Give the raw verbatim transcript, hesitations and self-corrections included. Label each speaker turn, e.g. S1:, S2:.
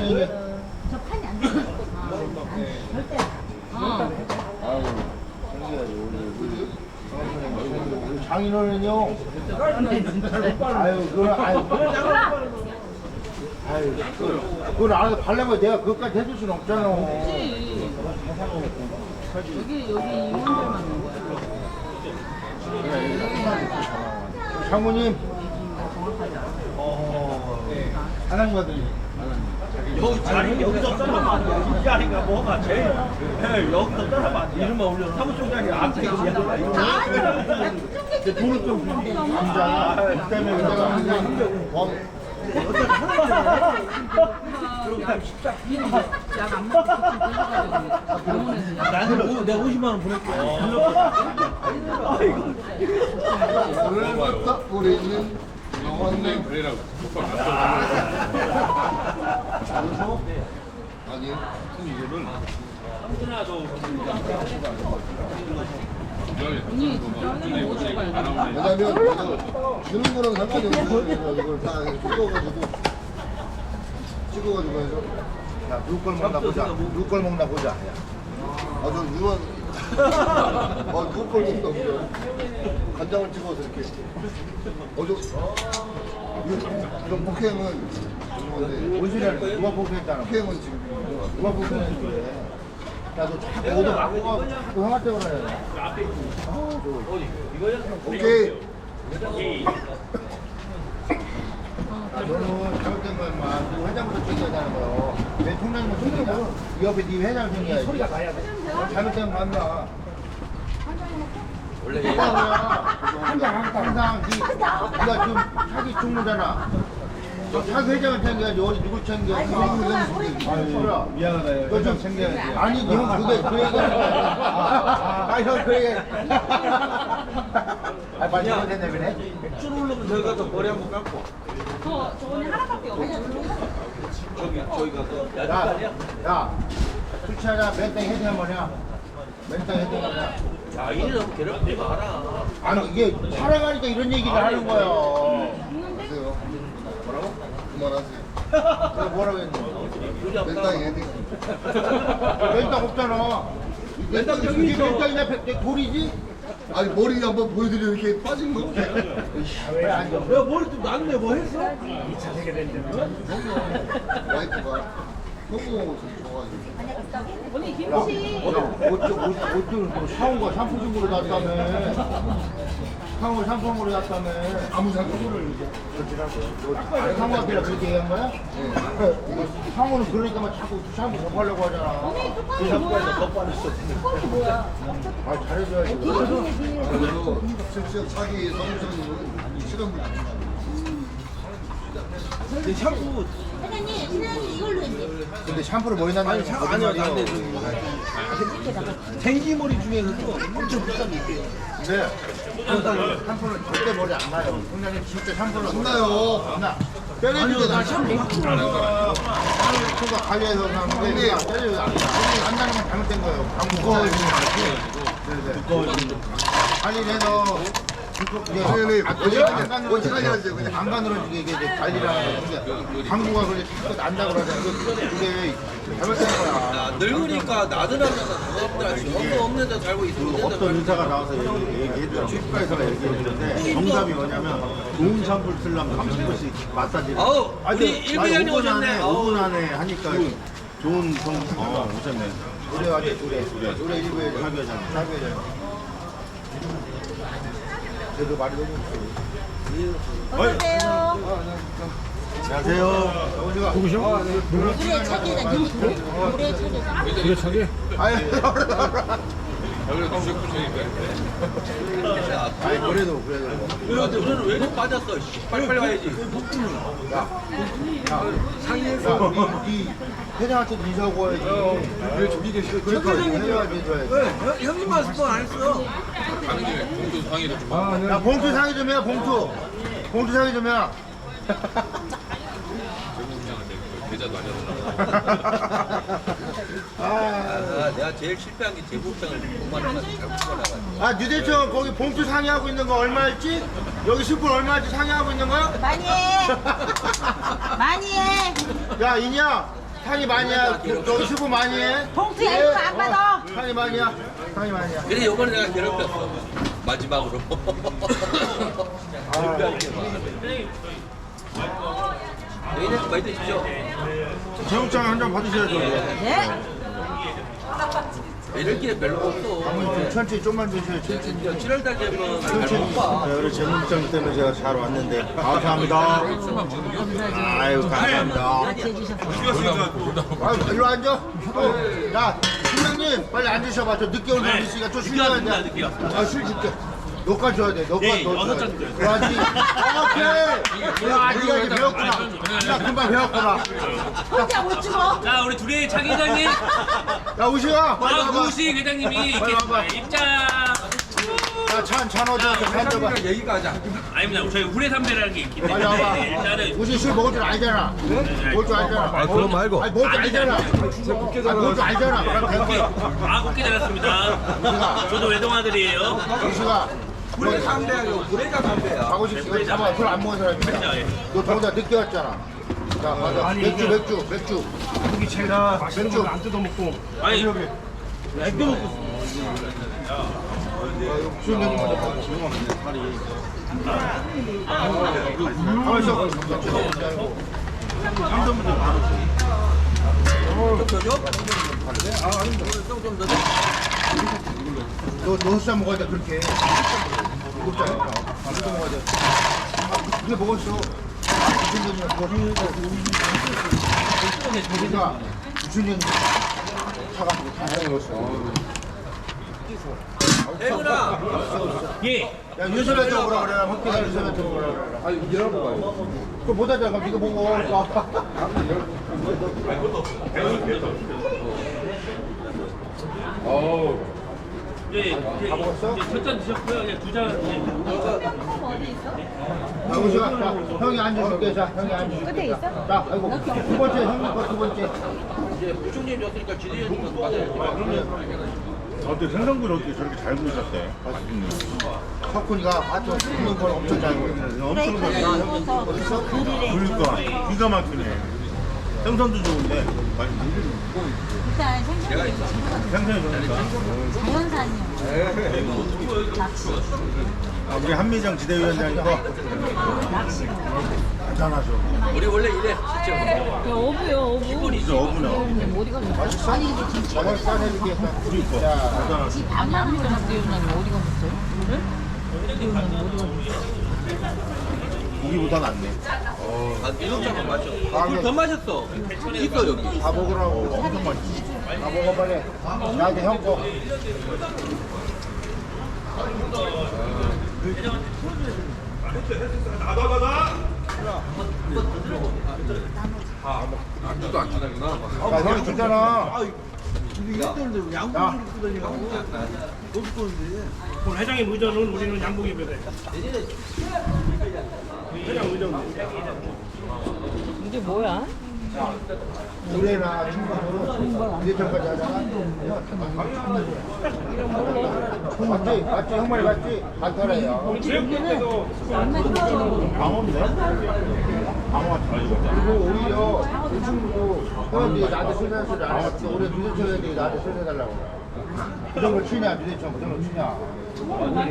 S1: 아니
S2: 저 판이 안 돼. 절대. 어.
S1: 아유 우리 장인어른은요 아유 그걸 아유 아유 그걸 그걸 알아서 발라면 내가 그것까지 해줄 수는 없잖아.
S2: 그렇지. 여기 여기 임원들만 먹는 거야.
S1: 장모님 어 하나님 아들이
S3: 여기 자리 여기서 떨어봐. 이 자리가 뭐가 제일 예, 여기서 떨어봐. 이름만 올려. 사무총장이 앞에 계시야.
S1: 돈을 좀 남자 그 때문에 내가 그냥 뭐
S2: 약안 먹고 병원에서
S3: 나는 내가 오십만 원 보낼게.
S1: 오늘부터 우리는 영원님
S4: 그래라고
S1: 아니
S4: 이거는
S1: 왜냐면 이거 주는 거랑 상관이 없어요. 이걸 다 찍어가지고 찍어가지고 해서 야 누구 걸 먹나 보자. 누구 걸 먹나 보자. 아저 유원 어 누구 걸 먹나 보자. 간장을 찍어서 이렇게 어저 이런 폭행은 뭔 소리 하는 거야? 누가 폭행했잖아. 폭행은 지금 누가 폭행했는데 야너 자꾸 오도 막고 가고 자꾸 형한테 그러냐. 오케이. 너는 잘못된 거야, 인마. 너 회장부터 챙겨야 되는 거요. 내 총장님은 챙기냐? 이 옆에 네 회장 챙겨야지. 소리가 나야 돼. 잘못된 거 맞나? 원래 항상 항상 네, 네가 지금 사기 총무잖아. 너 사기 회장을 챙겨야지. 어디 누굴 챙겨? 아유,
S4: 미안하다.
S1: 너좀 챙겨야지. 아니, 형 그게 그 얘기하는 거야. 아, 형 그 얘기. 아, 빨리 해야 되네, 그래?
S3: 줄 오르면 저기 가서 머리 한번 감고.
S2: 저 저번에 하나밖에 없어.
S3: 저기 저희가 그
S1: 야,
S3: 야자리야.
S1: 야, 술 취하자. 맨땅 헤딩 한번 해. 맨땅 헤딩 한번 해.
S3: 야 이래 너무 괴롭히지 마라.
S1: 아니, 이게 촬영하니까 이런 얘기를 하는 거야.
S5: 하세요. 뭐라고? 그만하세요.
S1: 내가 뭐라고 했는데?
S5: 맨땅 헤딩.
S1: 맨땅 없잖아.
S5: 맨땅
S1: 이게
S5: 저기 있어.
S1: 맨땅이냐, 백- 백- 돌이지?
S5: 아니 머리 한번 보여드려 이렇게 빠진 거.
S1: 왜 안 줘?
S3: 야 머리 좀 났네. 뭐 했어?
S5: 와이프가 너무 좋아가지고.
S2: 언니 김치.
S1: 옷을 사온 샴푸 중으로 놨다며. 상호 샴푸으로 놨다며.
S5: 아무 상관을
S1: 아니, 상호한테 그렇게 얘기한 거야? 상호는 그러니까 막 자꾸 샴푸 접하려고 하잖아.
S2: 언니 뚜껑이 뭐야? 뚜껑이 뭐야?
S1: 아, 잘해줘야지.
S5: 그래서 실제 자기 성우선은 실험을
S3: 근데 샴푸
S2: 사장님, 사장님 이걸로 이제.
S1: 근데 샴푸를 머리 난다는 건
S3: 아니야
S1: 거짓말이야.
S3: 난데 저기 생기머리 중에서도 엄청 비싼 게 있대요.
S1: 근데 샴푸는 절대 머리 안 나요. 형님 진짜 샴푸는
S5: 안 나요.
S1: 안 나. 때려주게 나 샴푸 샴푸가 관리해서 나는데 때려주게 안 나. 안 나는 건 잘못된 거예요. 두꺼워지는 거지. 두꺼워지는 거. 관리를 해서
S5: 아니, 아니,
S1: 안
S5: 어떻게 하냐죠, 그냥.
S1: 안 가늘어지게 이게 이제 관리를 하는 건데 방구가 그래 자꾸 난다 그러잖아. 그게 그게 잘못된 거야.
S3: 늙으니까 나들하면서 없더 없는 데 살고 있는
S6: 어떤 의사가 나와서 얘기- 얘기해줘요. 치과에서가 얘기했는데 정답이 뭐냐면 좋은 샴푸를 쓰려면 삼십 분씩 마사지를
S3: 아우,
S6: 아니,
S3: 우리 일 분이
S6: 오 분
S3: 오셨네.
S6: 안에
S3: 아우.
S6: 오 분 안에 하니까 좋은 성 어, 오셨네.
S1: 노래 하지 노래 노래 노래 일부 해줘.
S6: 사교잖아.
S1: 사교잖아. 그래도 말이 너무
S2: 어서오세요.
S6: 안녕하세요.
S1: 어디가?
S2: 물에 차게다. 물에 차게다.
S1: 아니
S4: 여기서 주식부처니까
S1: 아니 그래도 그래도
S3: 그래도 우리는 왜 이렇게 빠졌어? 씨, 빨리빨리 가야지.
S1: 상의해서 네 회장한테 인사하고 와야지. 왜 저기 계시고 그러니까 회장한테 줘야지.
S3: 형님만 스폰 안 했어.
S4: 가는 김에 공도 상의를 좀
S1: 야 봉투 상의 좀 해. 봉투 봉투 상의 좀 해.
S4: 제국장한테 계좌도 알려달라고.
S3: 아, 내가 제일 실패한 게 제국장을 오만 원까지 잘못 받아가지고.
S1: 아 뉴대청 거기 봉투 상의하고 있는 거 얼마였지? 여기 숯불 얼마였지 상의하고 있는 거야?
S2: 많이 해. 많이 해.
S1: 야 이냐 상이 많이야. 너 수고 많이 해.
S2: 봉투야 이거 안 받아.
S1: 상이 많이야. 상이 많이야.
S7: 그래 요번에 내가 괴롭혔어 마지막으로 여기는 많이 드십시오
S6: 제육장 한 잔 받으셔야죠.
S2: 네?
S7: 이럴 게 별로 없어
S1: 좀 천천히 좀만 드세요. 천천히.
S7: 칠월달 되면 잘못 봐
S6: 자, 우리 제육장 때문에 제가 잘 왔는데 감사합니다. 아유 감사합니다.
S2: 같이 해주셔서.
S1: 아, 일로 앉아. 어, 야, 팀장님 빨리 앉으셔봐. 저 늦게 온 사람 있으니까 좀 쉬어야 돼. 아, 술 줄게. 너가 줘야 돼. 너가
S3: 네,
S1: 너
S3: 여섯
S1: 줘야
S3: 잔
S1: 돼.
S3: 드려요.
S1: 와, 니 오케이. 야, 니가 이제 배웠구나. 야, 금방 배웠구나.
S2: 혼자 못 죽어.
S8: 자, 우리 둘이 장 회장님,
S1: 야, 우시야. 빨리
S8: 아,
S1: 와봐.
S8: 구우식 회장님이
S1: 빨리 와봐.
S8: 입장.
S1: 야, 찬, 찬 어디 있어? 찬 줘봐.
S7: 얘기가 하자
S8: 아닙니다. 저희 우레 삼배라는 게 있기
S1: 빨리 와봐.
S8: 때문에 일단은
S1: 우시 술 먹을 줄 알잖아. 먹을 줄 알잖아. 아, 그건 말고. 아니, 먹을 줄 알잖아. 아, 먹을 줄 알잖아. 그럼 된 거야.
S8: 아, 곱게 잘랐습니다. 저도 외동아들이에요.
S1: 우시가.
S7: 불의 상대하고 불의가 상대야
S1: 가고 싶어. 잠깐만, 술 안 먹은 사람이야.
S8: 예.
S1: 너 저보다 늦게 왔잖아. 자, 맞아. 맥주, 맥주, 맥주.
S3: 여기 제가 맛있는
S1: 맥주.
S3: 거안 뜯어먹고
S8: 아니,
S3: 애교 먹고
S1: 술 맥주 먼저 먹고. 가만 있어. 너, 너 흑사 먹어야 돼, 그렇게. 일곱 잔이니까. 아, 흑사 먹어야 돼. 아, 그래 먹었어. 무슨 년이야, 그거. 우리가 무슨 년이 사가지고 다 해먹었어.
S7: 대근아
S8: 예.
S1: 야, 유서배 쪽으로 그래. 헛기사 유서배 쪽으로 그래. 아, 이러고 가요. 그거 못 하잖아. 그럼 이거 보고.
S8: 예, 예,
S1: 다 먹었어?
S8: 첫잔 드셨고요. 예, 두 잔. 예.
S1: 자, 우시가. 자, 형이 앉아줄게. 자, 형이 앉아줄게. 끝에 있어? 자, 아이고. 두 번째, 형님 거두 번째.
S7: 이제 부총님 줬으니까 지대현님 맞아요
S6: 어떻게 생선구이 어떻게 저렇게 잘 구우셨대?
S1: 석훈이가 하여튼 굽는 걸 엄청 잘 구워.
S6: 엄청 잘
S2: 구워서 그릴에
S6: 그러니까 기가 막히네. 생선도 좋은데
S2: 일단 생선이
S6: 생선이 좋으니까.
S2: 자연산이요. 낚시.
S6: 아, 우리 한미정 지대위원장이고 대단하죠.
S7: 우리 원래 이래 진짜
S2: 어부요 어부.
S6: 진짜 어부나.
S2: 어디 가셨어요? 아니 이게 진짜
S1: 저걸 싸내줄게.
S6: 그러니까 대단하죠.
S2: 밥만 대우장님 어디 가셨어요? 대우장님 어디 가셨어요?
S6: 고기보다 낫네.
S7: 아 이동장은 맞죠 물더 마셨어 있어 여기
S1: 다 먹으라고. 엄청 맛있지. 다 먹어 빨리. 나한테 형 거.
S7: 안주도 안 주는구나
S1: 야, 형이 주잖아.
S3: 오늘 회장님 의전은 우리는 양복이 배래. 회장 의전.
S2: 이게 뭐야?
S1: 올해나 친구들은 이제까지 하잖아. 맞지? 맞지? 형 말이 맞지? 반타래요.
S2: 얼마 전에
S6: 방어인데? 방어가 잘 익어.
S1: 그리고 오히려 이 친구도 형님들이 나한테 술사는 소리 안 해봤어. 올해 미대청 애들이 나한테 술사달라고 그래. 그 정도 치냐? 미대청 그 정도 치냐?